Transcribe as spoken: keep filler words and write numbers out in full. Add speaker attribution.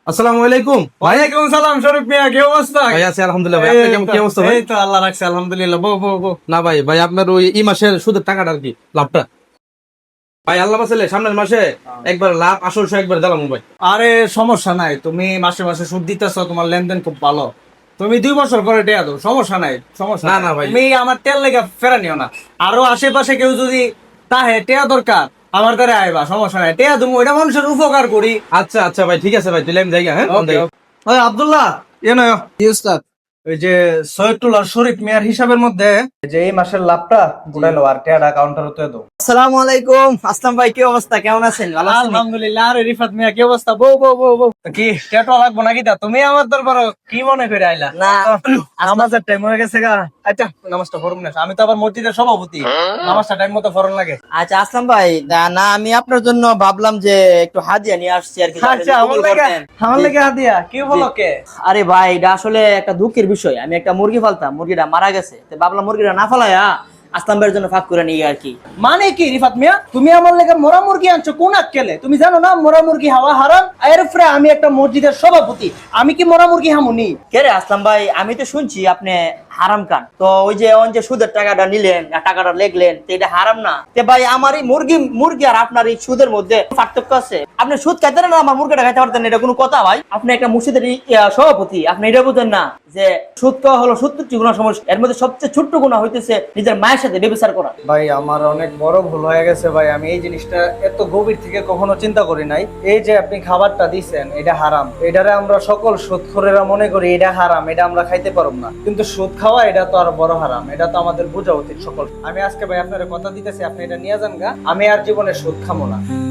Speaker 1: আসসালামু আলাইকুম ভাই।
Speaker 2: ওয়ালাইকুম সালাম শরীফ মিয়া, কি অবস্থা?
Speaker 1: ভাই আছি আলহামদুলিল্লাহ। ভাই আপনার কেমন কি অবস্থা ভাই?
Speaker 2: এই তো আল্লাহ রাখছে আলহামদুলিল্লাহ। বউ বউ বউ
Speaker 1: না ভাই, ভাই আপনার ওই এই মাসের সুদের টাকাটা আর কি লাভটা ভাই আল্লাহ বাঁচালে সামনের মাসে একবার লাভ আসল সহ একবার দিলাম ভাই।
Speaker 2: আরে সমস্যা নাই, তুমি মাসে মাসে সুদ দিতেছো, তোমার লেনদেন খুব ভালো। তুমি দুই বছর করে টেয়া দাও, সমস্যা নাই, সমস্যা
Speaker 1: না,
Speaker 2: নাই।
Speaker 1: না ভাই।
Speaker 2: তুমি আমার তেল লেগে ফেরা নিও না। আরো আশেপাশে কেউ যদি তাহে টেয়া দরকার, আমার দ্বারা আইবা, সমস্যা নাই, টেয়া তুমি ওইটা মানুষের উপকার করি।
Speaker 1: আচ্ছা আচ্ছা ভাই, ঠিক আছে ভাই, তাহলে আমি যাই গা, হ্যাঁ
Speaker 2: ওকে, ওই আব্দুল্লাহ, ইয়ে নয় ওই যে সৈয়দুল্লাহ শরীফ মিয়ার হিসাবের মধ্যে যে এই মাসের লাভটা উঠাইলো আর টেয়াটা কাউন্টারে তুলে দাও।
Speaker 3: আসসালামু আলাইকুম। আসলাম ভাই, কি অবস্থা, কেমন আছেন? ভালো আছেন?
Speaker 2: আলহামদুলিল্লাহ। আরে রিফাত মিয়া, কি অবস্থা? বউ বউ বউ বউ কি টেটো লাগবো নাকি? তা তুমি আমার দরবার কি মনে করে আইলা?
Speaker 3: না,
Speaker 2: নামাজের টাইম হয়ে গেছে গা। আচ্ছা নামাজটা পড়ুন না, আমি তো আবার মসজিদের সভাপতি, নামাজটা টাইম মতো পড়ন লাগে।
Speaker 3: আচ্ছা আসলাম ভাই, না না, আমি আপনার জন্য ভাবলাম যে একটু হাদিয়া নিয়ে আসছি আর কি।
Speaker 2: আচ্ছা আমার লাগে, আমার লাগে হাদিয়া কি বলো কে?
Speaker 3: আরে ভাই, এটা আসলে একটা দুঃখের বিষয়। আমি একটা মুরগি পালতাম, মুরগিটা মারা গেছে, তো ভাবলাম মুরগিটা না ফালাইয়া আসলাম ভাইয়ের জন্য ফাঁক করে নিয়ে আর কি।
Speaker 2: মানে কি রিফাত মিয়া, তুমি আমার লেগে মোরা মুরগি আনছো কোন আক্কেলে? তুমি জানো না মোরা মুরগি হাওয়া হারাম? এর উপরে আমি একটা মসজিদের সভাপতি, আমি কি মোরা মুরগি হামুনি?
Speaker 3: কে রে আসলাম ভাই, আমি তো শুনছি আপনি হারাম খান। তো ওই যে ওই যে সুদের টাকাটা নিলেন আর টাকাটা লেগলেন, তো এটা হারাম না? তে ভাই আমার এই মুরগি মুরগি আর আপনার এই সুদের মধ্যে পার্থক্য আছে। আপনি সুদ খাইতেন না, আমার মুরগিটা খাইতে পারতেন না, এটা কোনো কথা ভাই? আপনি একটা মসজিদের ই- ইয়া, সভাপতি, আপনি এটা বুঝেন না যে সুদ খাওয়া হলো সত্তরটি গুণা সমস্যা, এর মধ্যে সবচেয়ে ছোট্ট গুণা হইতেছে নিজের মায়ের সাথে ব্যভিচার করা।
Speaker 2: ভাই আমার অনেক বড় ভুল হয়ে গেছে ভাই, আমি এই জিনিসটা এত গভীর থেকে কখনো চিন্তা করি নাই। এই যে আপনি খাবারটা দিছেন এটা হারাম, এটারে আমরা সকল সুদখোরেরা মনে করি এটা হারাম, এটা আমরা খাইতে পারব না, কিন্তু সুদ খাওয়া এটা তো আর বড় হারাম, এটা তো আমাদের বোঝা উচিত সকল। আমি আজকে ভাই আপনার কথা দিতেছি, আপনি এটা নিয়ে যান গা, আমি আর জীবনে সুদ খামো না।